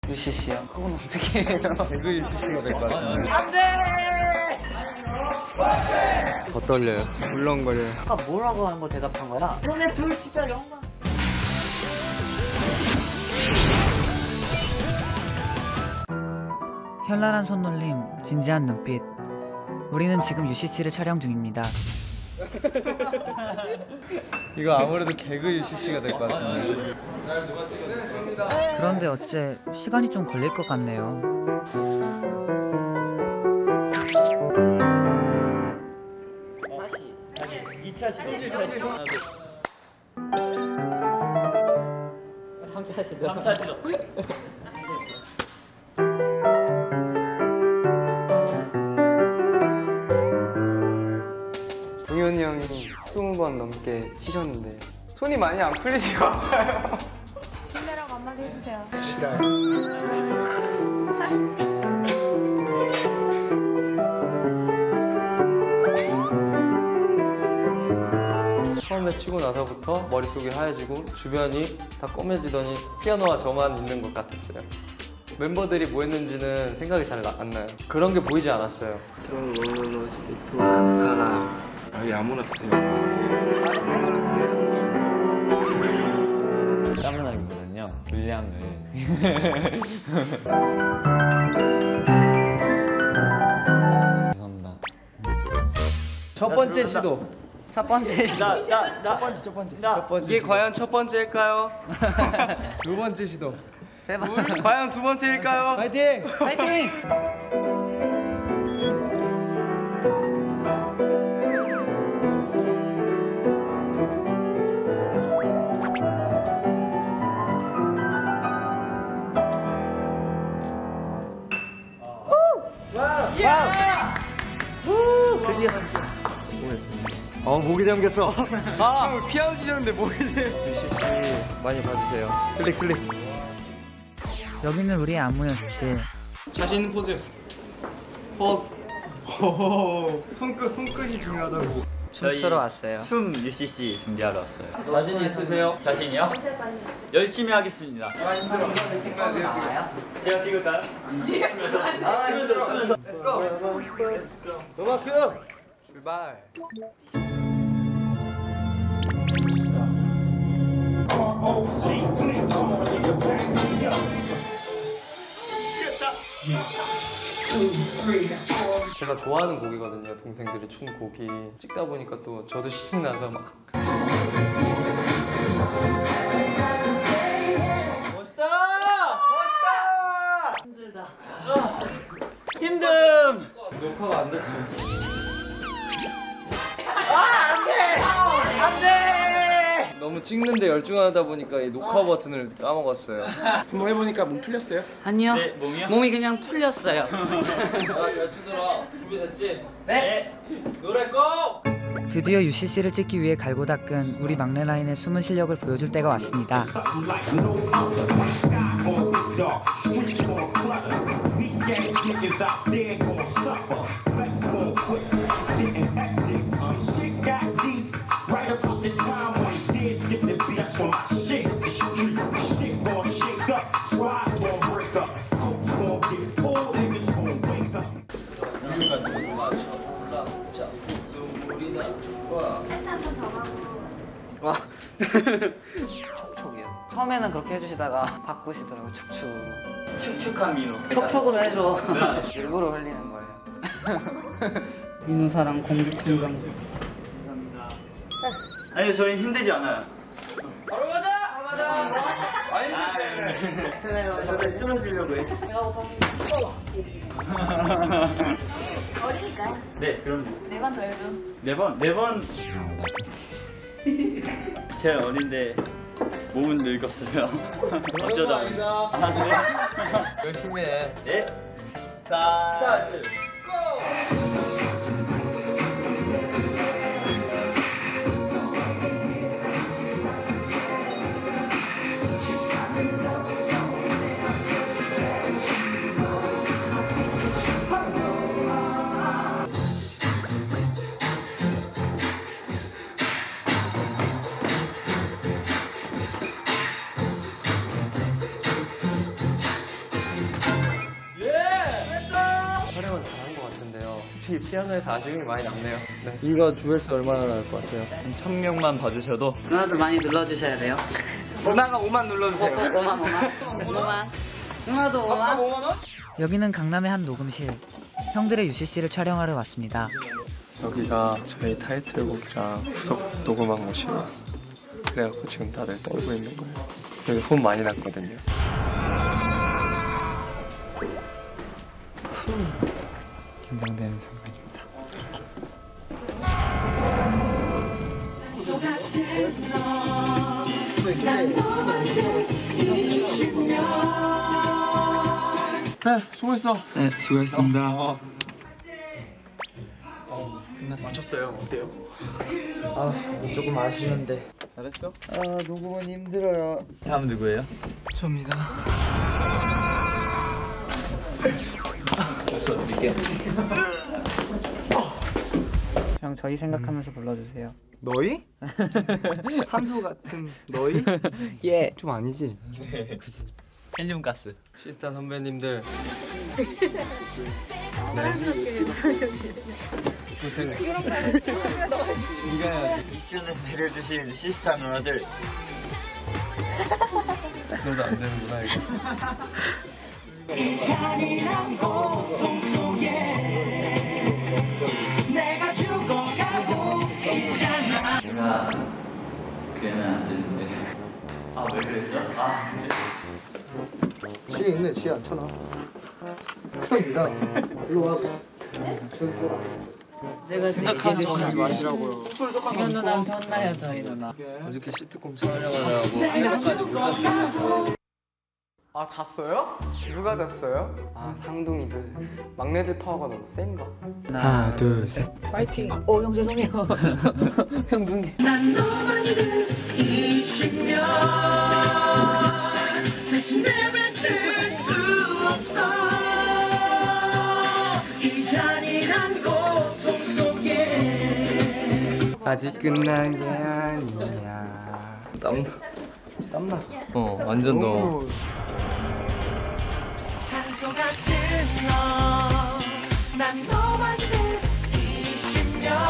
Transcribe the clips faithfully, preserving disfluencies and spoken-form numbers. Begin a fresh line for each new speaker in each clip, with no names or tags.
유씨씨요? 그건 어떻게 해요?
개그 유씨씨가 될 것 같은데.
안 돼!
더 떨려요. 울렁거려요.
아까 뭐라고 하는 걸 대답한 거야? 너네 둘 진짜 영광. 현란한 손놀림, 진지한 눈빛. 우리는 지금 유씨씨를 촬영 중입니다.
이거 아무래도 개그 유씨씨가 될 것 같은데.
그런데 어째 시간이 좀 걸릴 것 같네요. 다시.
이 차 시도 이 차 시도
삼 차 시도.
삼 차 시도.
동현이 형이 스무 번 넘게 치셨는데 손이 많이 안 풀리지가 않아요.
힘내라고 한마디 해주세요.
싫어요. 처음에 치고 나서부터 머릿속이 하얘지고 주변이 다 검해지더니 피아노와 저만 있는 것 같았어요. 멤버들이 뭐 했는지는 생각이 잘 안 나요. 그런 게 보이지 않았어요.
아예 아무나 드세요.
땀나기보다는요 분량을 죄송합니다.
첫 번째 시도.
첫 번째 시도.
나나나
첫 번째 첫 번째.
나.
첫 번째
이게
시도.
과연 첫 번째일까요?
두 번째 시도.
세 번.
과연 두 번째일까요?
파이팅!
파이팅! 드디어.
어 목이 잠겼어.
아, 피아노 치셨는데 뭐 이래?
유씨씨 많이 봐주세요. 클릭 클릭.
여기는 우리의 안무 연습실.
자신 있는 포즈. 포즈. 오, 손끝 손끝이 중요하다고.
춤추러 왔어요.
춤 유씨씨 준비하러 왔어요.
자신 있으세요?
자신이요? 열심히 하겠습니다. 제가 찍을까요? 아, 치면서 치면서. Let's go. Let's go.
음악 큐. 출발. 제가 좋아하는 곡이거든요. 동생들이 춘 곡이 찍다 보니까 또 저도 신이 나서 막 멋있다! 멋있다!
힘들다.
힘듦!
녹화가 안 됐어. 너무 찍는데 열중하다 보니까 이 녹화 버튼을 까먹었어요.
한번 해보니까 몸 풀렸어요?
아니요.
네, 몸이요?
몸이 그냥 풀렸어요.
야, 여친들아, 준비됐지?
네.
노래 꼭!
드디어 유씨씨를 찍기 위해 갈고 닦은 우리 막내 라인의 숨은 실력을 보여줄 때가 왔습니다. 와. 촉촉이요. 처음에는 그렇게 해주시다가 바꾸시더라고. 축축으로.
축축한 민호.
촉촉으로 해줘. 일부러 흘리는 거예요. 민우사랑 공기청정.
감사합니다. 아니요, 저희 힘들지 않아요.
바로 가자! 바로 가자! 많이 힘들대.
저도 쓰러지려고 해.
어리니까요.
네, 그럼요.
네 번 더 해도.
네 번, 네 번. 제일 어린데 몸은 늙었어요. 어쩌다. 아, 네.
열심히 해.
네. 스타트.
솔직히 피아노에서 아쉬움이 많이 남네요. 네.
이거 조회수 얼마나 나올 것 같아요?
한 천 명만 봐주셔도
누나도 많이 눌러주셔야 돼요.
누나가 오만 눌러주세요.
오만 오만 오만 누나도 오만. 여기는 강남의 한 녹음실. 형들의 유씨씨를 촬영하러 왔습니다.
여기가 저희 타이틀곡이랑 후속 녹음한 곳이에요. 그래갖고 지금 다들 떨고 있는 거예요. 여기 혼 많이 났거든요. 긴장되는 순간입니다.
네, 수고했어.
네 수고했습니다.
맞췄어요. 어때요?
아, 조금 아쉬운데.
잘했어?
아, 녹음은 힘들어요.
다음 누구예요?
접니다.
됐어 드릴게.
형 저희 생각하면서 불러주세요.
너희? 산소 같은 너희?
예.
좀 아니지?
헬륨 가스.
시스타 선배님들.
미션을 내려주신 시스타 누나들.
너도 안 되는구나 이거.
제가 그애는 안 되는데. 아 왜 그랬죠? 아
지혜 있네. 지혜 안 쳐놔. 형이다. 일로 와.
제가
생각하는 거 하지 마시라고요.
승현 누나한테 혼나요 저희 누나.
어저께 시트콤 촬영하느라고 새벽까지 못 잤어요. 아 잤어요? 누가 잤어요? 아 상둥이들. 막내들 파워가 너무 센가?
하나 둘 셋. 파이팅. 오형 죄송해요. 형 눈.
아직 끝난 게 아니야. 땀나. 땀나서. 어 완전 더워.
산소 같은 너난 너만 돼 이십 년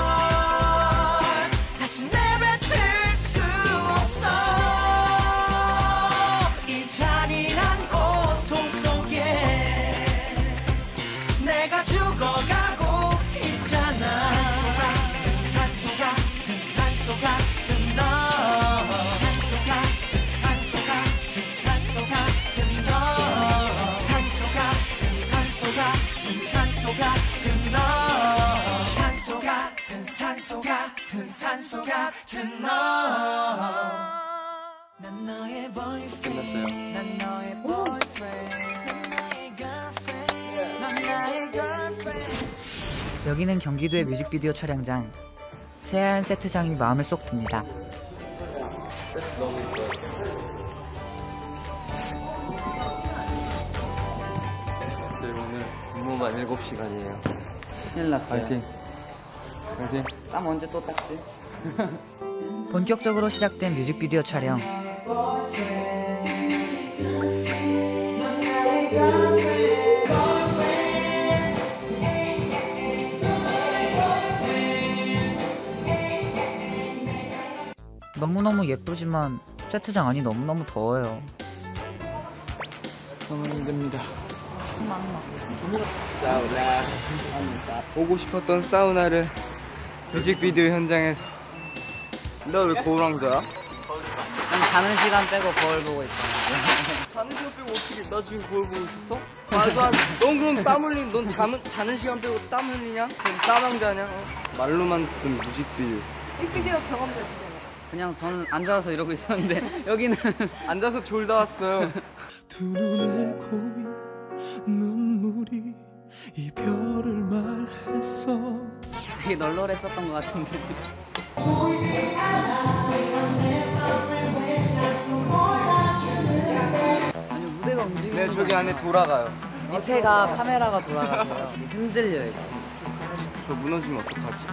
다시 내뱉을 수 없어 이 잔인한 고통 속에 내가 죽어가고 있잖아. 산소 같은 산소 같은 너 산소 같은 산소 같은 산소 같은 너 산소 같은 산소 같은 산소 같은 너 산소 같은 산소 같은 산소 같은 너 난 너의 boyfriend 난 너의 boyfriend 난 나의 girlfriend 난 나의 girlfriend.
여기는 경기도의 뮤직비디오 촬영장. 새하얀 세트장이 마음에 쏙 듭니다.
네, 오늘 근무만 일곱 시간이에요.
큰일 났어요.
파이팅. 파이팅.
땀 언제 또 닦지? 본격적으로 시작된 뮤직비디오 촬영. 너무너무 예쁘지만 세트장 안이 너무너무 더워요.
저는 힘듭니다.
사우나. 보고 싶었던 사우나를 뮤직비디오 현장에서. 너 왜 거울왕자야?
난 자는 시간 빼고 거울 보고 있어.
자는 시간 빼고 어떻게 나 지금 거울 보고 있었어? 말도 안 돼. 넌 그럼 땀 흘린 넌 잠은, 자는 시간 빼고 땀 흘리냐? 그럼 땀왕자냐? 어? 말로만 듣던 뮤직비디오.
뮤직비디오 경험자시잖아요.
그냥 저는 앉아서 이러고 있었는데 여기는
앉아서 졸다 왔어요.
두 눈에 고인 눈물이 이별을 말했어.
되게 널널했었던 것 같은데. 아니 무대가 움직이는
네, 저기 안에 돌아가요.
밑에가 카메라가 돌아가고요. 흔들려요. 이거.
저 무너지면 어떡하지?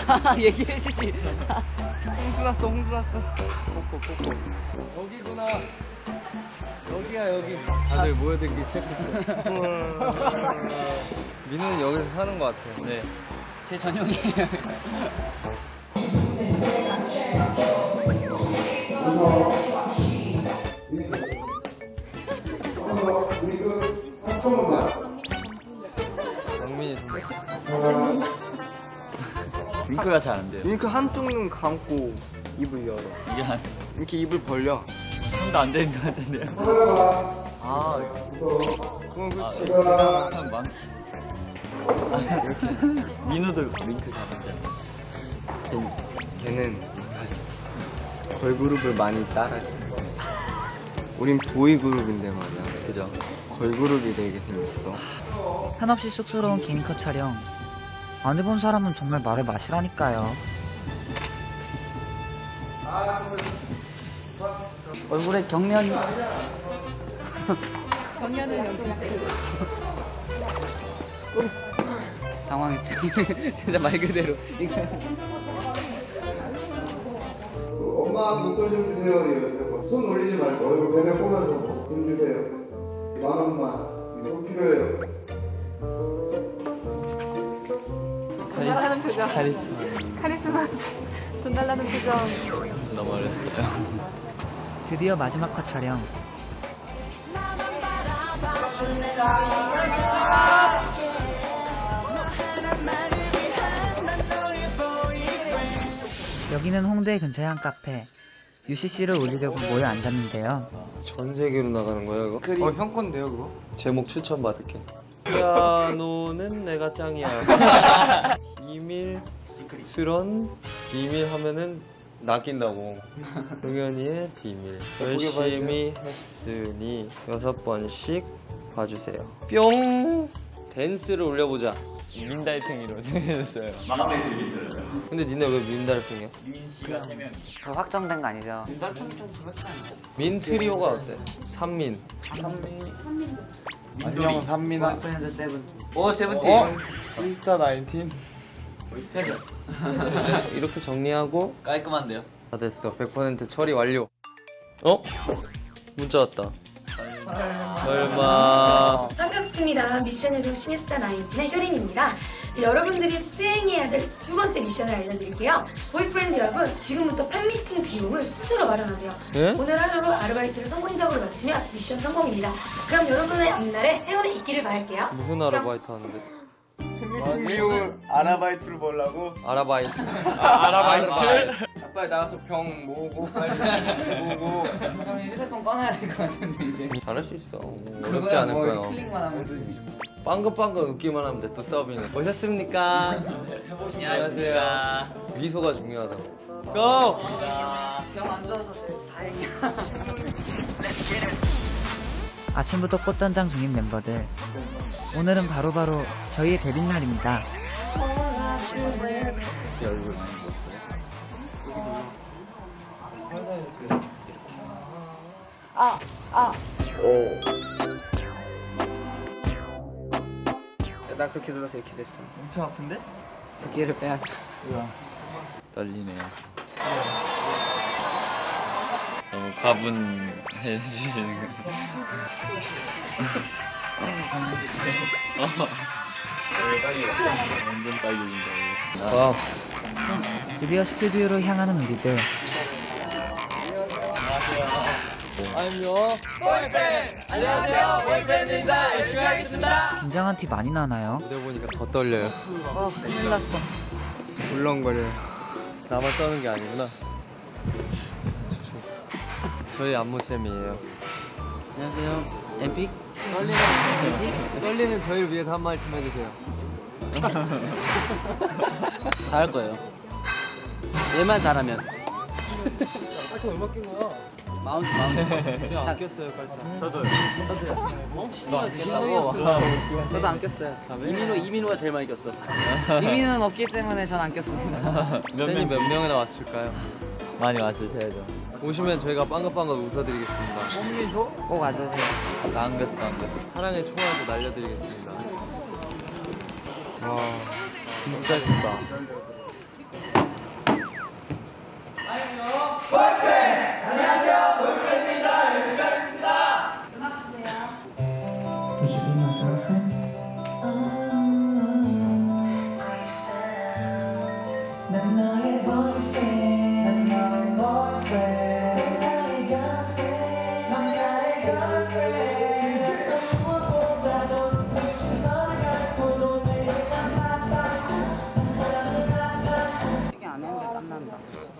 얘기해주지.
홍수 났어, 홍수 났어.
여기구나. 여기야 여기. 다들 모여들기 시작했어. 민우는 여기서 사는 것 같아. 네.
제 전용이에요.
영민이 좀. 윙크가 잘 안 돼요.
윙크 한쪽 눈 감고 입을 열어.
이게 한
이렇게 입을 벌려.
손도 안 되는 것 같은데요.
아, 그건 그렇지.
한 만. 민우도 윙크 잘한대.
걔는 걸그룹을 많이 따라해. 우린 보이그룹인데 말이야.
그죠?
걸그룹이 되게 생겼어.
한없이 쑥스러운 개인컷 촬영. 안 해본 사람은 정말 말을 마시라니까요. 얼굴에 경련이.
정연은 여기
당황했지. 진짜 말 그대로. 이거.
엄마 눈꺼 좀 주세요. 손 올리지 말고 얼굴 배를 보면서 돈 주세요. 만 원만. 이거 필요해요.
돈 달라는 표정.
카리스마.
카리스마. 돈 달라는 표정.
너무 어렸어요.
드디어 마지막 컷 촬영. 여기는 홍대 근처의 한 카페. 유씨씨를 올리려고 모여 앉았는데요.
전 세계로 나가는 거야 이거?
어, 형 건데요, 그거?
제목 추천 받을게. 피아노는 내가 짱이야. 비밀 스런 비밀 하면은 낚인다고. 동현이의 비밀. 열심히 했으니 여섯 번씩 봐주세요. 뿅. 댄스를 올려보자.
민달팽이로 생겼어요. 마음에 들겠더라고요.
근데 니네 왜 민달팽이야?
민 씨가 하면
그 확정된 거 아니죠?
민 트리오가 어때? 삼민.
안녕 삼민아.
프렌즈 세븐틴.
오 세븐틴. 어? 시스타 나인틴.
이렇게 정리하고
깔끔한데요?
다 됐어. 백 퍼센트 처리 완료. 어? 문자 왔다. 설마.
반갑습니다. 미션 요정 시니스타 나인틴의 효린입니다. 네, 여러분들이 수행해야 될 두 번째 미션을 알려드릴게요. 보이프렌드 여러분, 지금부터 팬미팅 비용을 스스로 마련하세요.
네?
오늘 하루로 아르바이트를 성공적으로 마치면 미션 성공입니다. 그럼 여러분의 앞날에 행운이 있기를 바랄게요.
무슨 아르바이트 하는데?
팬미팅 비용을 아르바이트로 벌라고?
아르바이트.
아, 아르바이트?
빨리 나가서 병 모으고 빨리 모으고.
형 휴대폰 꺼내야 될 것 같은데 이제.
잘할 수 있어. 어렵지 않을 거야.
클릭만 하면 되지.
빵긋빵긋 웃기만 하면 돼. 또 서빙. 오셨습니까? 안녕하세요. 미소가 중요하다. 고!
병안 좋아서 제일 다행이야. 아침부터 꽃단장 중인 멤버들. 오늘은 바로바로 저희의 데뷔 날입니다.
아, 아.
나 그렇게 눌러서 이렇게 됐어.
엄청 아픈데?
두께를 빼야지.
떨리네요. 너무 과분해지는 거. 완전 빨개진다.
와.
드디어 스튜디오로 향하는 우리들.
안녕. 보이팬! 안녕하세요. 보이팬입니다. 열심히 하겠습니다.
긴장한 티 많이 나나요?
무대 보니까 더 떨려요.
어, 큰일 났어.
울렁거려요.
나만 떠는 게 아니구나. 저희 안무쌤이에요.
안녕하세요. 엠픽?
떨리는 떨리는 저희를 위해서 한 말씀 해주세요.
잘할 거예요. 얘만 잘하면.
저 음악 낀 거야.
마운트 마운트.
그냥 안 꼈어요, 깔짝.
저도요.
너 안 꼈다고? 저도 안 꼈어요. 이민호 이민호가 제일 많이 꼈어. 이민호는 없기 때문에 전 안 꼈습니다.
팬이 몇 명이나 왔을까요?
많이 왔으셔야죠.
오시면 저희가 빵긋빵긋 웃어드리겠습니다.
꼭 와주세요.
안 겼어, 안 겼어.
사랑의 총알도 날려드리겠습니다. 와, 진짜 크다.
이게 안 했는데 땀난다.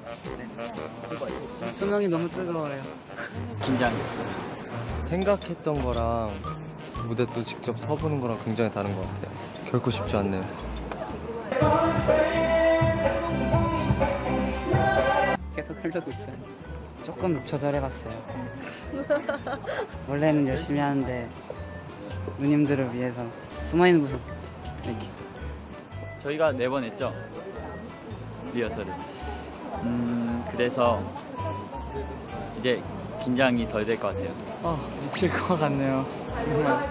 조명이 너무 뜨거워요.
긴장됐어요. 생각했던 거랑 무대 또 직접 서보는 거랑 굉장히 다른 것 같아요. 결코 쉽지 않네요.
계속 흐르고 있어요. 조금 조절해봤어요. 원래는 열심히 하는데 누님들을 위해서 숨어있는 모습 이렇게.
저희가 네 번 했죠? 리허설을. 음, 그래서 이제 긴장이 덜 될 것 같아요.
아 미칠 것 같네요. 정말.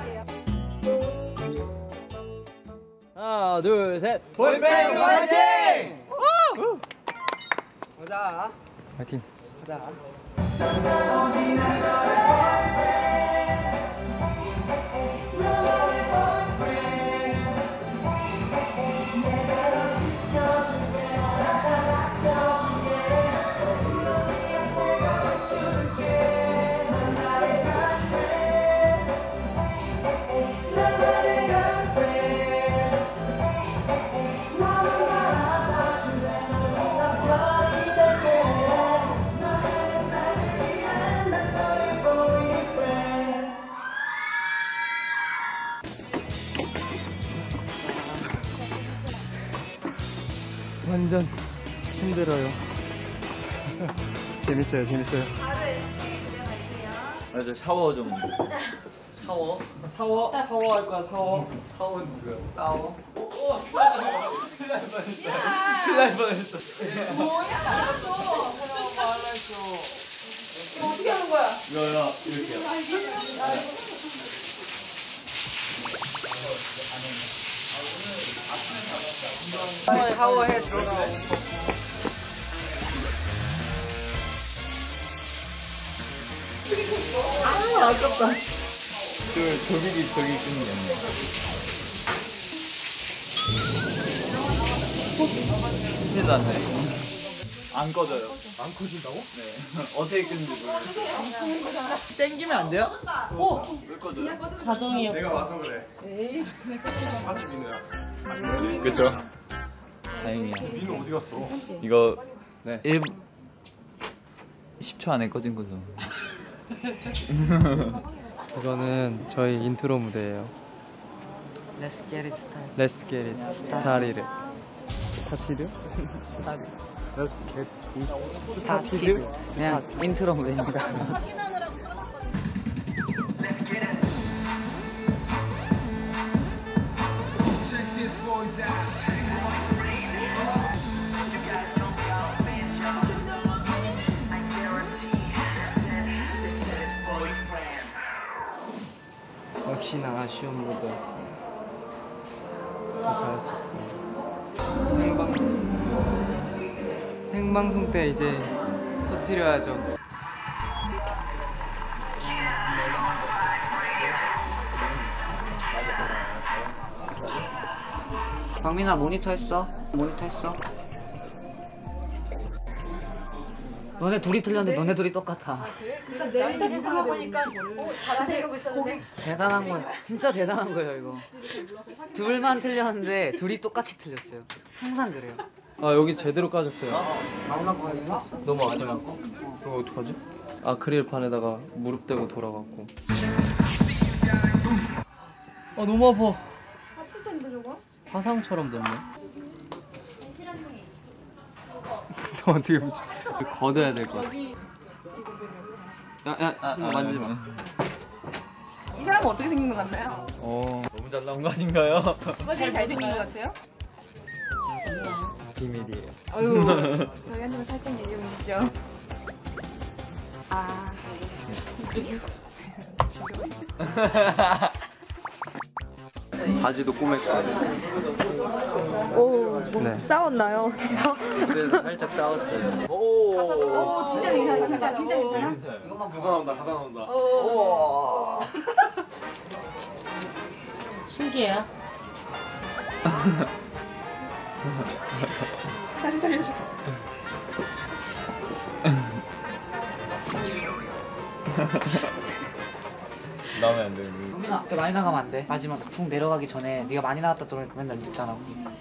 하나, 둘, 셋.
보이프렌드 화이팅!
보자.
파이팅!
보자.
완전 힘들어요. 재밌어요, 재밌어요.
맞아, 샤워 좀.
샤워? 샤워? 샤워할 거야, 샤워? 샤워는 누구야? 샤워? 큰일 날 뻔했어. 큰일 날 뻔했어.
뭐야? 알았어. 이거 어떻게 하는 거야?
이거요, 이렇게요.
샤워해 들어가.
아, 아깝다.
저, 저기, 저기 끊네. 큰일 났네. 안 꺼져요.
안 커진다고?
네. 어떻게 끄는지 모르겠어요.
땡기면 안 돼요?
오!
왜 꺼져요?
자동이
내가 와서 그래.
에이.
마치 민호야.
그쵸? 다행이야.
민호 어디 갔어?
이거
네.
일 십 초 안에 꺼진 거죠.
이거는 저희 인트로 무대예요.
Let's get it started.
Let's get it started. 스타티드?
스타티드. 그냥 인트로 무대입니다.
역시나 아쉬운 무대였어요. 더 잘할 수 있어요. 생방송 생방송 때 이제 터뜨려야죠.
박민아 모니터 했어? 모니터 했어? 너네 둘이 틀렸는데 너네 둘이 똑같아.
일단 내 생각하고 보니까 어, 잘하네 이러고 있었는데.
대단한 거예요. 진짜 대단한 거예요 이거. 둘만 틀렸는데 둘이 똑같이 틀렸어요. 항상 그래요.
아 여기 제대로 까졌어요.
마지막 거 했나?
너무 아파요. 이거 어떡하지? 아크릴판에다가 무릎 대고 돌아갔고. 아 너무 아파.
아플 텐데 저거?
화상처럼 됐네. 너 어떻게 붙여? 걷어야 될 것 같아. 야야
아,
만지지 마.
이 사람은 어떻게 생긴 것 같나요?
어, 너무 잘 나온 거 아닌가요?
누가 제일 잘생긴 것 같아요?
비밀이에요.
어휴, 저희한테는 살짝 얘기해 보시죠. 아,
바지도 꼬맸고.
오, 뭐
네.
싸웠나요? 그래서
무대에서 살짝 싸웠어요.
오.
오 진짜 괜찮아 진짜 진짜 괜찮아.
이것만
가사 나온다 가사 나온다.
오.
신기해요. 다시 살려줘.
나오면 안 돼.
우민아, 그때 많이 나가면 안 돼. 마지막 툭 내려가기 전에 네가 많이 나갔다 들어오니까 맨날 늦잖아.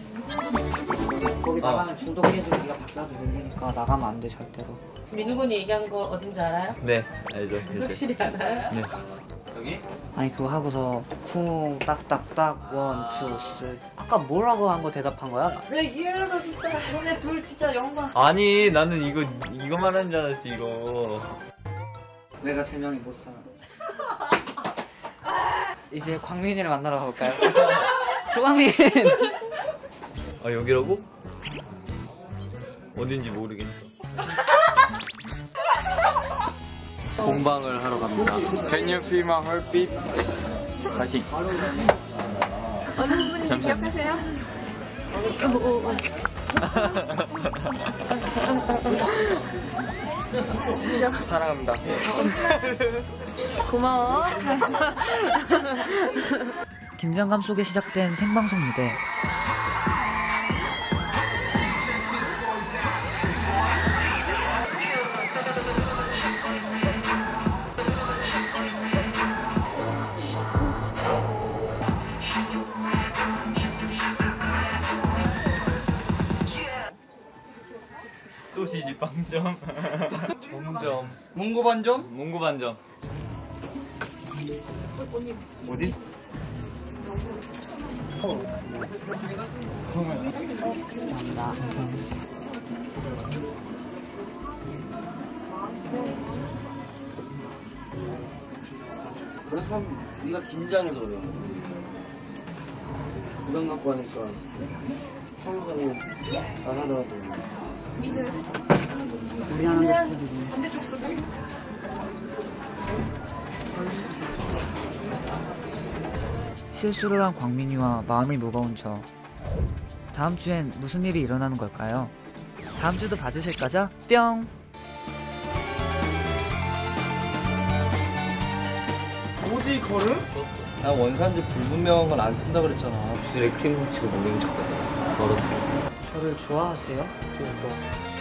거기
어.
나가면 중독해지고 네가 박자도 밀리니까 나가면 안 돼 절대로.
민군이 얘기한 거 어딘지 알아요?
네, 알죠. 이제.
확실히 알아요?
네.
여기?
아니 그거 하고서 쿵 딱딱딱 원, 투, 쓰리. 아까 뭐라고 한 거 대답한 거야?
왜 이래서 진짜 너네 둘 진짜 영광.
아니 나는 이거 이거 말하는 줄 알았지 이거.
내가 제명이 못 살아. 이제 광민이를 만나러 가볼까요? 조광민.
아 여기라고? 어딘지 모르겠어. 공방을 하러 갑니다. Can you feel my heartbeat? 파이팅.
어느 분인지
잠시만요.
기억하세요?
사랑합니다.
고마워.
긴장감 속에 시작된 생방송 무대.
소시지 빵점. 점점.
몽고 반점?
몽고 반점. 어디?
그래서 네가 긴장해서 그래. 부담 갖고 하니까 서로서로 안 하더라고.
우리 하는 거 스타일이네. 실수를 한 광민이와 마음이 무거운 저. 다음 주엔 무슨 일이 일어나는 걸까요? 다음 주도 봐주실 거죠? 뿅!
오지 걸음?
나 원산지 불분명한 건 안 쓴다 그랬잖아. 입술에 크림 묻히고 모르는 척거든. 더럽게.
저를 좋아하세요?
그러니까.